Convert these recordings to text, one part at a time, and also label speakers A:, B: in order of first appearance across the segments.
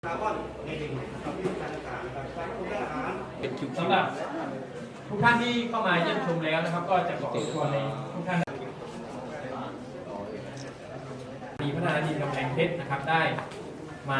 A: คาร์บอนในดินกับวิธีการต่างๆนะครับการควบคุมอาหาร
B: สำหรับทุกท่านที่เข้ามาเยี่ยมชมแล้วนะครับ ก็จะขอชวนในทุกท่านมีพัฒนาดินกำแพงเพชรนะครับได้มาน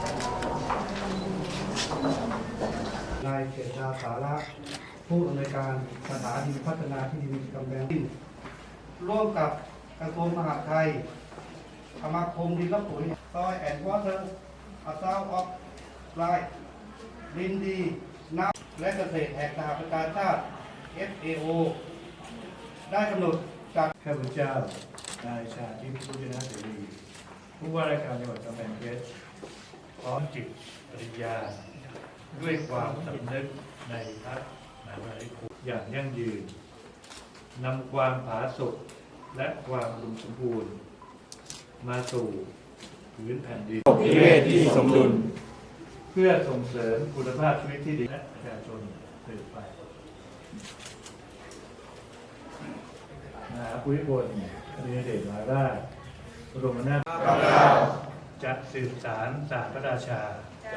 A: ายเขตชาสาระผู้อำนวยการสถานีพัฒนาที่ดินกำแพงดินร่วมกับกระทรวงมหาดไทยสมาคมดินและปุ๋ยซอยแอนด์วอเตอร์อัตราออฟไลน์ดินดีน้ำและเกษตรแห่งสหประชาชาติ FAO ได้กำหนดจาก
C: ข้าพเจ้านายชาทิพย์พุทธนาเสรีผู้ว่าราชการจังหวัดกำแพงเพชรพร้อมจิตปริญญาด้วยความสำนึกในพระมหากรุณาธิคุณอย่างยั่งยืนนำความผาสุกและความอุดมสมบูรณ์มาสู่พื้นแผ่นดินนิเวศที่สมดุลเพื่อส่งเสริมคุณภาพชีวิตที่ดีและประชาชนสืบไปมหาภูมิพลอดุลยเดชมหาราชบรมนาถบพิตรจะสืบสานศาสตร์พระราชา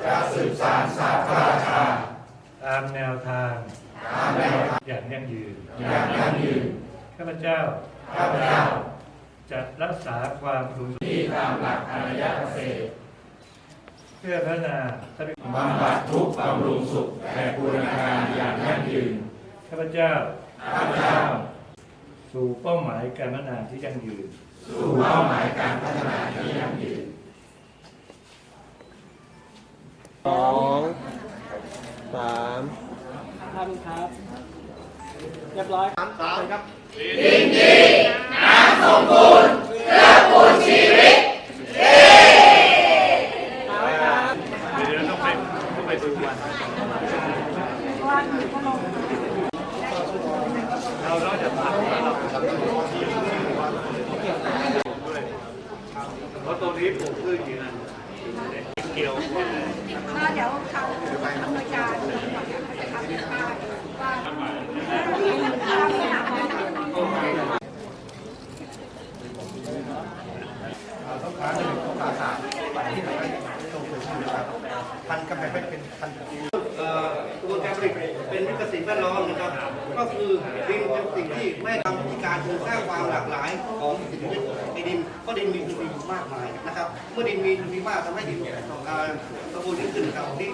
C: ตามแนวทางอย่างยั่งยืนข้าพเจ้าจะรักษาความสมดุลที่ตามหลักอารยเกษตรเพื่อพัฒนาทรัพยากรบำบัดทุกข์บำรุงสุขและบูรณาการอย่างยั่งยืนข้าพเจ้าสู่เป้าหมายการพัฒนาที่ยั่งยืน
D: สองสาม
B: ท่านครับเรียบร้อยครับครับ
C: เดี๋ยวต้องไปดูวันเราจะทำเพราะตรงนี้ปลูกพืชอยู่นะเกี่ยว
E: ก็เดี๋ยวเขาอำนวยการจะทำเป็นป้ายว่าลักษณะของ
A: ต้องการต้องการศาสตร์ไปที่ไหนตรงส่วนที่นะครับพันกำแพงเพชรเป็นพันกระบวนการผลิตเป็นวิกฤตแวดล้อมนะครับก็คือดินเป็นสิ่งที่ไม่ทำวิธีการคือสร้างความหลากหลายของสิ่งมีชีวิตในดินเพราะดินมีจุลินทรีย์มากมายนะครับเมื่อดินมีจุลินทรีย์มากทำให้ดินสมบูรณ์ขึ้นครับ